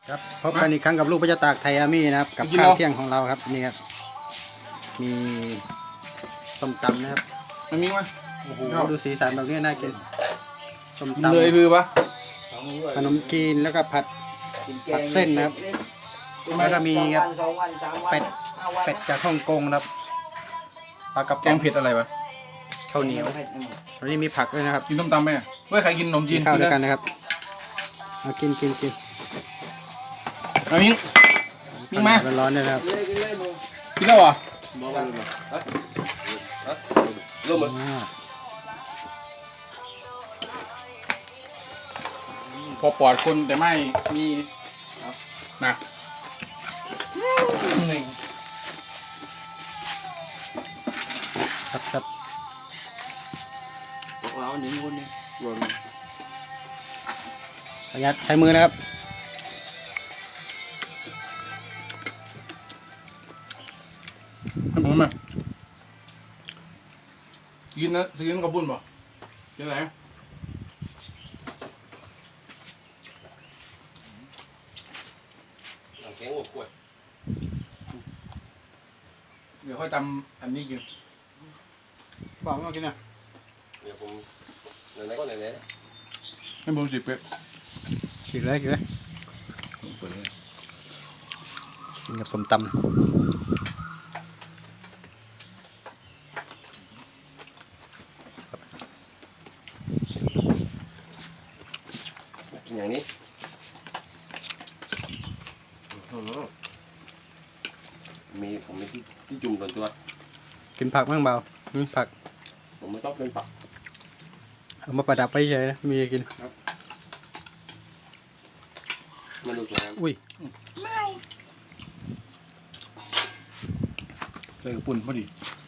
ครับพบกันอีกครั้งกับลูกพระเจ้าตากไทยอาร์มี่นะครับกับข้าวเที่ยงของเราครับนี่ครับมีส้มตำนะครับมันมีไหมโอ้โหดูสีสันแบบนี้น่ากินส้มกินตำเลยคือปะขนมจีนแล้วก็ผัดเส้นนะครับแล้วก็มีครับเป็ดจากฮ่องกงนะครับปลากระแกป๋องงเผ็ดอะไรวะข้าวเหนียววันนี้มีผักด้วยนะครับกินต้มตำไหมเว้ยใครกินขนมจีกินนข้าวด้วยกันนะนะครับมากินเอามิ้งมิ้งมาร้อนๆด้วยนะครับกินแล้วเหรออ่าพอปลอดคนแต่ไม่มีนะครับเราหนึ่งคนนี่รวมประหยัดใช้มือนะครับให้ผมไหมกินนะกินกับบุญป่ะกินอะไรแกงหัวขวดเดี๋ยวค่อยทำอันนี้กินบอกมากินนะเดี๋ยวผมไหนๆก็ไหนให้ผมสิบเป๊ะฉีกเลยกินเลยเปิดเลยกินกับส้มตำๆกินอย่างนี้ผมมีที่จุ่มส่วนตัวกินผักบ้างเปล่าผักผมไม่ต้องเป็นปักเอามาประดับไว้เฉยนะมีกินมันดูสวยอุ้ยใส่กับปุ่นพอดี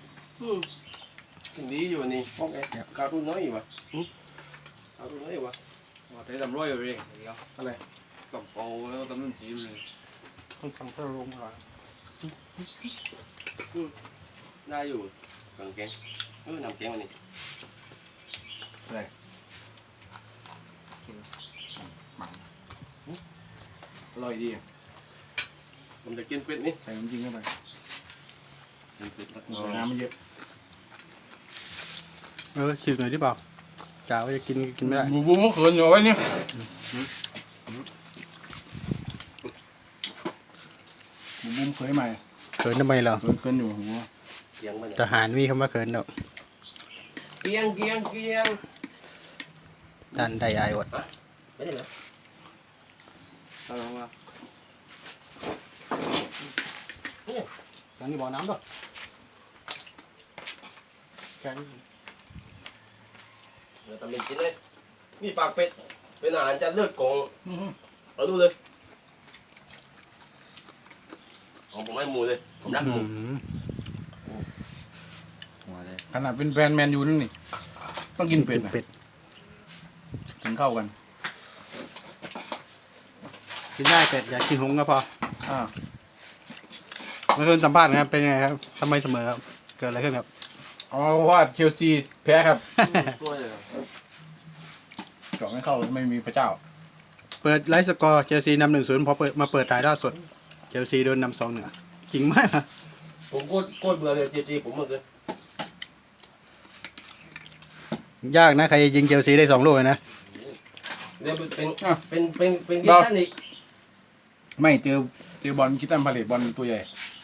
สิ่งดีอยู่นี่พวกไอ้การ์ตูนน้อยอยู่วะการ์ตูนน้อยอยู่วะ thấy làm roi rồi đi อะไร cầm cầu nó tấm nó chìm rồi ต้องทำเพื่อลงก่อนได้อยู่เครื่องแกงนำแกงมานี่อร่อยดีผมจะกินเป็ดนี่ใส่น้ำจิ้มเข้าไปเป็ดใส่น้ำมันเยอะฉีกหน่อยที่เปล่าจ่าว่าจะกินไม่ได้บูบูมันเขินอยู่ไว้เนี่ยบูบูเคยใหม่เขินทำไมเหรอเขินอยู่หัวเกียงมันทหารมีคำว่าเขินเนาะเกียงท่านได้อายอดไม่ใช่เหรอ sao không à ยังนี่บ่อน้ำด้วยแกงเดี๋ยวทำเป็นกินเลยนี่ปากเป็ดเป็นอาหารจานเลือดกองเอาดูเลยของผมให้หมูเลยผมรักหมูขนาดเป็นแฟนแมนยูนั่นนี่ต้องกินเป็ดนะเป็ดถึงเข้ากันกินได้เป็ดอยากกินหงส์ก็พออ่าเมื่อคืนสัมภาษณ์นะครับเป็นยังไงครับทำไมเสมอครับเกิดอะไรขึ้นครับเอาว่าเชลซีแพ้ครับ tôi rồi เจาะไม่เข้าไม่มีพระเจ้าเปิดไลฟ์สกอร์เชลซีนำ1-0พอมาเปิดถ่ายทอดสดเชลซีโดนนำ2-1จริงมากผมโคตรเบื่อเลยจีผมหมดเลยยากนะใครยิงเชลซีได้2 ลูกนะเดี๋ยวเป็นกีตาร์อีกไม่เจอบอลคิดตันพาเลตบอลตัวใหญ่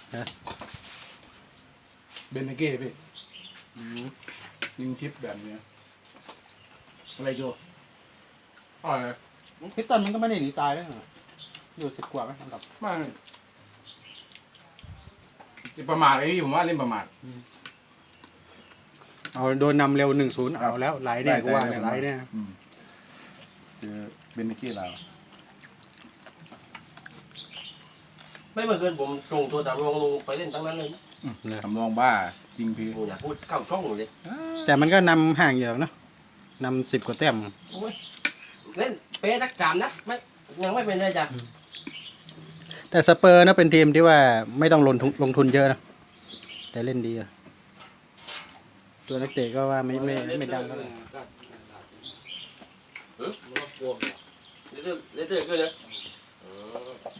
เบนเนเก้พี่ยิงชิปแบบนี้อะไรโจอะไรพิตตันมันก็ไม่ได้หนีตายนะอยู่10 กว่าไหมอันดับไมาจะประมาทไอ้พี่ผมว่าเล่นประมาทเอาโดนนำเร็ว1-0เอาแล้วไหลเนี่ยกูว่าเนี่ยไหลเนี่ยเจอเบนเนเก้เราไม่เหมือนเกินผมส่งตัวตามรองลงไปเล่นตั้งนั้นเลยทำรองบ้าจริงพี่ผมอยากพูดเข้าช่องเลยแต่มันก็นำห่างอยู่นะนำ10 กว่าแต้มเล่นเป๊ะนักจามนะไม่ยังไม่เป็นไรจ้ะแต่สเปอร์นะเป็นทีมที่ว่าไม่ต้องลงทุนเยอะนะแต่เล่นดีอะตัวนักเตะก็ว่าไม่ดังเท่าไหร่เล่นเตะเกินเลย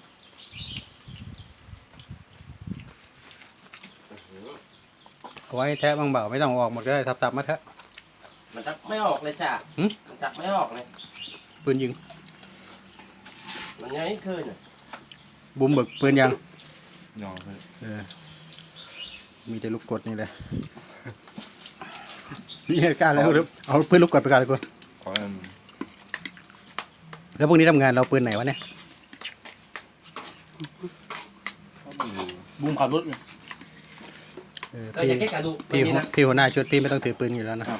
เอาไว้แทะบางเบาไม่ต้องเอาออกหมดก็ได้ทับๆมาเถอะมันจับไม่ออกเลยจ้ะหึมันจับไม่ออกเลยปืนยิงมันยังไม่ขึ้นอ่ะบุมเบิกปืนยังยองเลยเออมีแต่ลูกกดนี่แหละนี่กล้าแล้วหรือเอาปืนลูกกดไปก่อนเลยกูขออันแล้วพวกนี้ทำงานเราปืนไหนวะเนี่ยบูมขับรถอยู่เออก็พี่จะแค่กระดูกพี่ไม่มีนะพี่หัวหน้าชุดพี่ไม่ต้องถือปืนอยู่แล้วนะ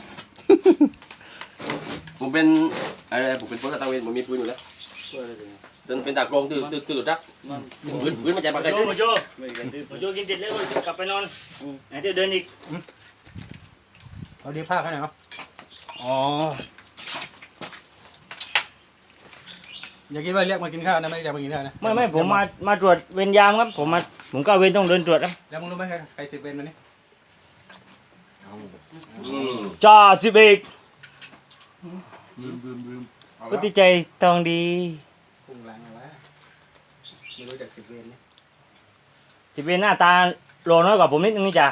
ผมเป็นอะไรผมเป็นพลตะเวนผมมีปืนอยู่แล้วช่วยอะไรกันจนเป็นตากลงตื่นรักมันปืนมันจะปากกาโจจิ้มาโจไม่กันที่มาโจกินเสร็จแล้วกลับไปนอนไหนเดี๋ยวเดินอีกเอาดีผ้าเขาหน่อยเนาะอ๋ออย่าคิดว่าเรียกมากินข้าวนะไม่ได้เรียกมากินข้าวนะไม่ผมมาตรวจเวรยามครับผมก็เวรต้องเดินตรวจครับแล้วมึงรู้ไหมใครสิบเวนมานี่จ่าสิบเอกลืมเอาพุละทธิใจทองดีพุ่งหลังเอาวะไม่รู้จักสิบเวนนี่สิบเอกหน้าตาโลน้อยกว่าผมนิดนึงนี่จ้ะ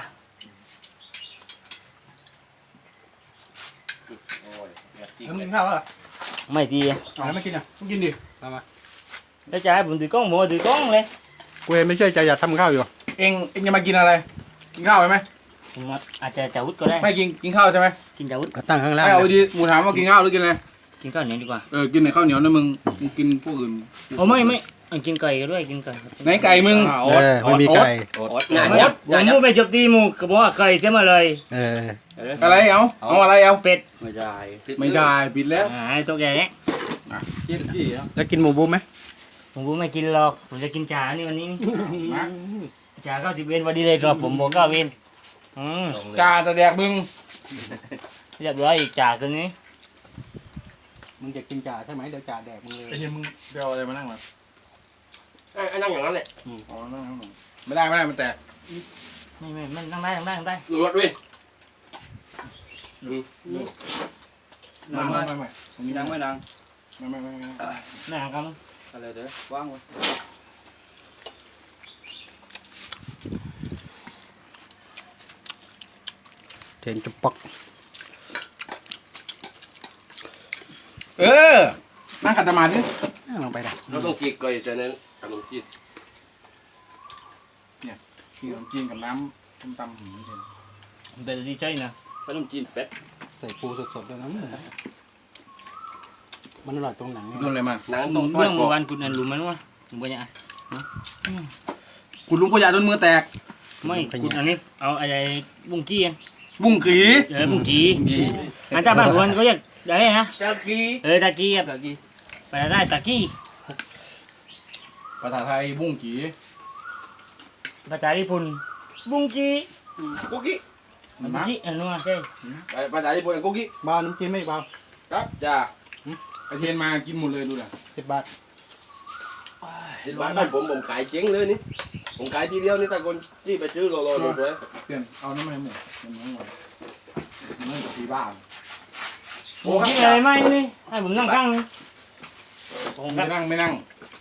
แล้วมึงกินข้าวเหรอไม่ดีเอาแล้วไม่กินอ่ะต้องกินดิมาแล้วจะให้ผมถือกล้องผมก็ถือกล้องเลยกูเห็นไม่ใช่ใจอยากทำข้าวอยู่เองจะมากินอะไร กินข้าวไหมผมอาจจะจะวุฒก็ได้ไม่กินข้าวใช่ไหมกินจะวุฒเอาตั้งข้างล่างไม่เอานะดีหมูถามว่ากินข้าวหรือกินอะไรกินข้าวเหนียวดีกว่ากินในข้าวเหนียวนะมึงกินพวกอื่นโอ้ไม่กินไก่ก็ด้วยกินไก่ครับไหนไก่มึงเออไม่มีไก่งานไม่ยับผมพูดไปจบตีหมูก็บอกว่าไก่เสียมาเลยเอออะไรเอาอะไรเอาเป็ดไม่ได้ไม่ใช่ปิดแล้วให้ตัวใหญ่เนี่ยกินที่อ่ะแล้วกินหมูบุ้มไหมผมไม่กินหรอกผมจะกินจ่านี่วันนี้มาจ่าเข้าสิบเวรพอดีเลยครับผมบอกเข้าเวรกาจะแดกมึงเรียบร้อยอีกจ่าตัวนี้มึงจะกินจ่าใช่ไหมเดี๋ยวจ่าแดกมึงเลยไอ้เหี้ยมึงไปเอาอะไรมานั่งมาไอ้นั่งอย่างนั้นแหละอ๋อนั่งไม่ได้มันแตกไม่นั่งได้ดูรถด้วยไม่ตรงนี้ยังไม่นางไม่นั่งครับอะไรเด้อว่างไว้เทนจุ๊บปอกนั่งขัดสมาธินั่งลงไปนะเราต้องจีบก่อนจะนั้นขนมจีบกินขนมจีนกับน้ำส้มตำหืมเย็นเป็นดีใจนะขนมจีนเป็ดใส่ปูสดๆด้วยนะมันอร่อยตรงหนังโดนอะไรมาหนังตรงเรื่องเมื่อวานคุณนั่นรู้ไหมว่าถึงปัญญาคุณลุงพยาจนมือแตกไม่คุณอันนี้เอาอะไรบุ้งกี้บุ้งกีบุ้งกี้อันแต่บ้านคนเขาเรียกอะไรนะกะกีตะกี้ครับไปได้ตะกี้ภาษาไทยบุ้งกีภาษาญี่ปุ่นบุ้งกี้กุ๊กกี้บุ้งกี้อันนู้นใช่ภาษาญี่ปุ่นกุ๊กกี้บ้าน้ำจิ้มไม่เบาครับจ้าไอเทียนมากินหมดเลยดูดิ 10 บาทสิบบาทบ้านผมขายเจ๊งเลยนี่ผมขายทีเดียวนี่แต่คนที่ไปซื้อรอหมดเลยเปลี่ยนเอาน้ำมันหมดมันน้ำมันมันกับที่บ้านบุ้งกี้อะไรไม่นี่ให้ผมนั่งข้างนี่ผมไม่นั่งไม่นั่ง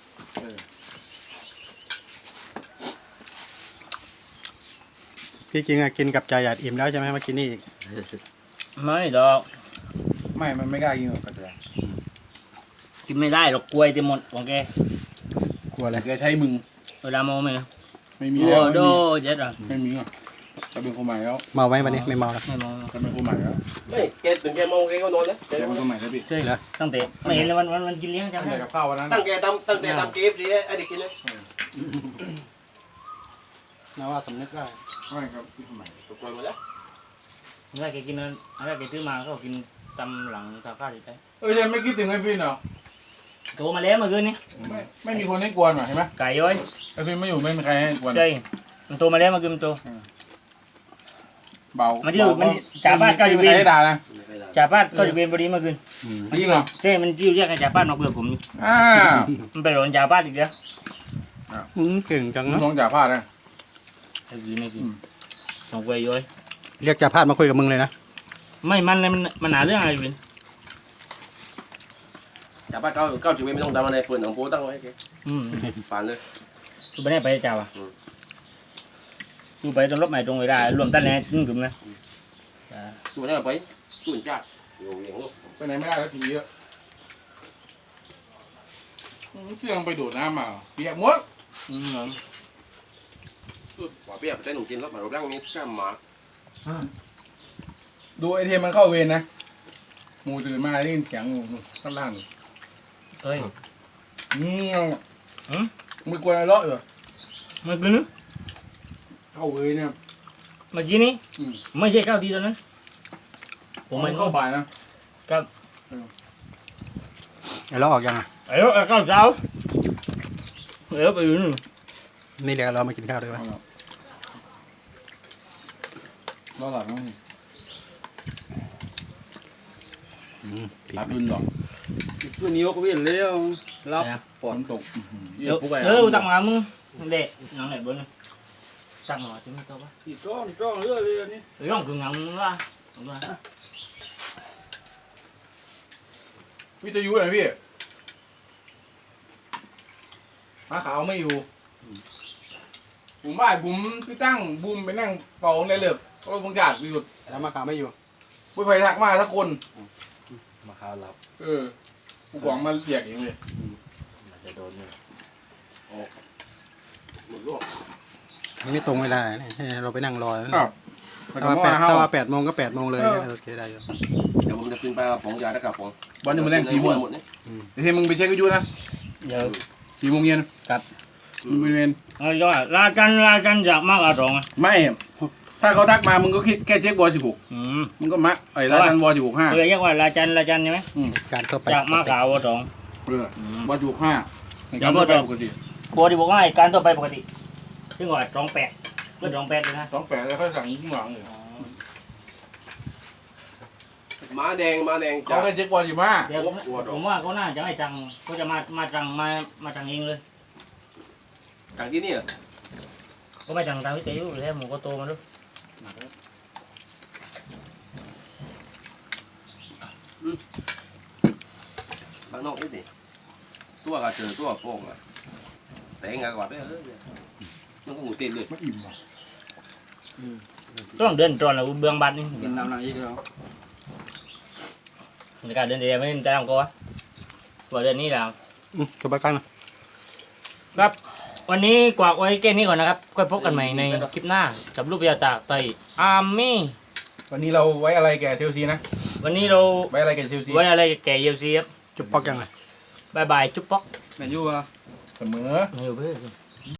ที่จริงอะกินกับจ่าหยาดอิ่มแล้วใช่ไหมมากินนี่อีกไม่หรอกไม่มันไม่กล้ากินหรอกกระเทียมกินไม่ได้หรอกกล้วยเต็มหมดของแกกลัวอะไรแกใช้มึงเวลาโมไม่นะไม่มีโอ้แล้วโดเจ็ดอ่ะไม่มีอ่ะจะเป็นคนใหม่แล้วเมาไหมวันนี้ไม่เมาแล้วไม่มองจะเป็นคนใหม่แล้วไม่แกถึงแกมองแกก็นอนแล้วจะเป็นคนใหม่แล้วพี่ใช่เหรอตั้งแต่ไม่เห็นเลยวันกินเลี้ยงจำตั้งได้แต่กับข้าววันนั้นตั้งแต่ทำเกฟสิไอ้เด็กกินนะนะว่าสำนึกได้ไม่ครับพี่คนใหม่ถูกปล่อยหมดแล้วอะไรแกกินอะไรแกซื้อมาก็กินตำหลังตาข้าวอยู่ใจยังไม่คิดถึงไอ้พี่เนาะโทรมาแล้วเมื่อคืนนี้ไม่มีคนให้กวนหรอเห็นไหมไก่ย้อยไอ้พี่ไม่อยู่ไม่มีใครให้กวนใช่มันโทรมาแล้วเมื่อคืนมันโทรเบามันอยู่มันจ่าบ้านก็อยู่ไม่มีใครให้ด่านะจ่าบ้านก็อยู่เวรพอดีเมื่อคืนจริงเหรอใช่มันจิ้วเรียกให้จ่าบ้านมาเบื่อผมอยู่อ้าวมันไปหลอนจ่าบ้านอีกแล้วเก่งจังเนาะน้องจ่าพลาดนะไอ้กินส่งไปย้อยเรียกจ่าพาดมาคุยกับมึงเลยนะไม่มันหาเรื่องอะไรเป็นอย่าไปเก้าถึงไม่ต้องทำอะไรเปิดหนังโป๊ตั้งไว้แกอืมผ่านเลยคือไม่ได้ไปจ่าว่ะดูไปตรงรถใหม่ตรงเวลารวมตั้งแต่ถึงนะตัวนี้ไปตุ่นจัดอยู่อย่างนู้นไปไหนไม่ได้แล้วผีเยอะเสี่ยงไปโดดน้ำมาเปียกหมดว่าเปียกไปได้หนุ่มกินแล้วมารูปร่างนี้ข้ามมาดูไอเทมมันเข้าเวรนะหมูตื่นมาได้ยินเสียงข้างล่างเฮ้ยไม่กลัวอะไรเลาะอยู่มันคือนึกเข้าเวรเนี่ยเมื่อกี้นี้ไม่ใช่ข้าวดีตอนนั้นผมไม่เข้าบ่ายนะแล้วออกยังอ่ะไอ้ข้าวเช้าไปอยู่นู่นไม่เรียกเรามากินข้าวด้วยวะรอหลับมั้งผิดหลับรุนหรอตัวนี้ก็เวียนแล้วรับฝนตกตักมามึงเด็กน้องไหนบนตักมาถึงตัวปะที่จ้องเรื่อยเลยนี่ร้องคืองงละวิทยุอะไรพี่ม้าขาวไม่อยู่บุ๋มบ้านบุ๋มพี่ตั้งบุ๋มไปนั่งเป่าในเลือบเพราะบางการอยู่แล้วมาขาวไม่อยู่ผู้ภัยทักมาทักคนมาข้าวรับกูกวางมาเรียกเองเลยมันจะโดนเนี่ยหมดโลกมันไม่ตรงเวลาเนี่ยให้เราไปนั่งรอครับถ้าว่า8 โมงก็8 โมงเลยโอเคได้อยู่เดี๋ยวผมจะขึ้นไปผงยาตะกับผงบอลจะมาเล่น4 โมงหมดนี่เดี๋ยวมึงไปเช็ควิทยุนะเดี๋ยว 4 โมงเย็นครับมึงไปเรียนเอาจ้ะลาจันอยากมากอะไรอ่ะไม่ ถ้าเขาทักมามึงก็คิดแค่เช็ควอล16มึงก็มาไอ้ร้านวอล16 เออเรียกว่าลาจันใช่ไหมการทั่วไปอยากมากขาววอวอล16ในการไปปกติโบดีบอกว่าการตัวไปปกติซึ่งว่า28ก็28เลยนะ 28แล้วเขาสั่งยิ่งหวังเลยม้าแดงเขาจ้าแค่เช็ควอล15 เดี๋ยวผมว่าเขาน่าจะไม่จังเขาจะมาจังเองเลยจากที่นี่ก็ไม่จังตามวิทยุแล้วหมูก็โตมาด้วยบ้านนอกนี่ดิตัวก็เจอตัวโป่งอ่ะแต่งานกว่าไปมันก็หมูเต้นเลยไม่อิ่มหรอต้องเดินตรอนแล้วเบื้องบัดนี่กินน้ำหนักอีกแล้วในการเดินเดียวไม่ได้ทำก็วะว่าเดือนนี้แล้วจบไปกันนะวันนี้กวากไว้แค่นี้ก่อนนะครับค่อยพบกันใหม่ในคลิปหน้ากับรูปยาจากไตอาร์มี่วันนี้เราไว้อะไรแกเชลซีนะวันนี้เราไว้อะไรแกเชลซีไว้อะไรแก่เยลซีครับจุบปอกยังไงบายบายจุ๊บป๊อกแมนยูอ่ะเสมอไม่อยู่เพื่อน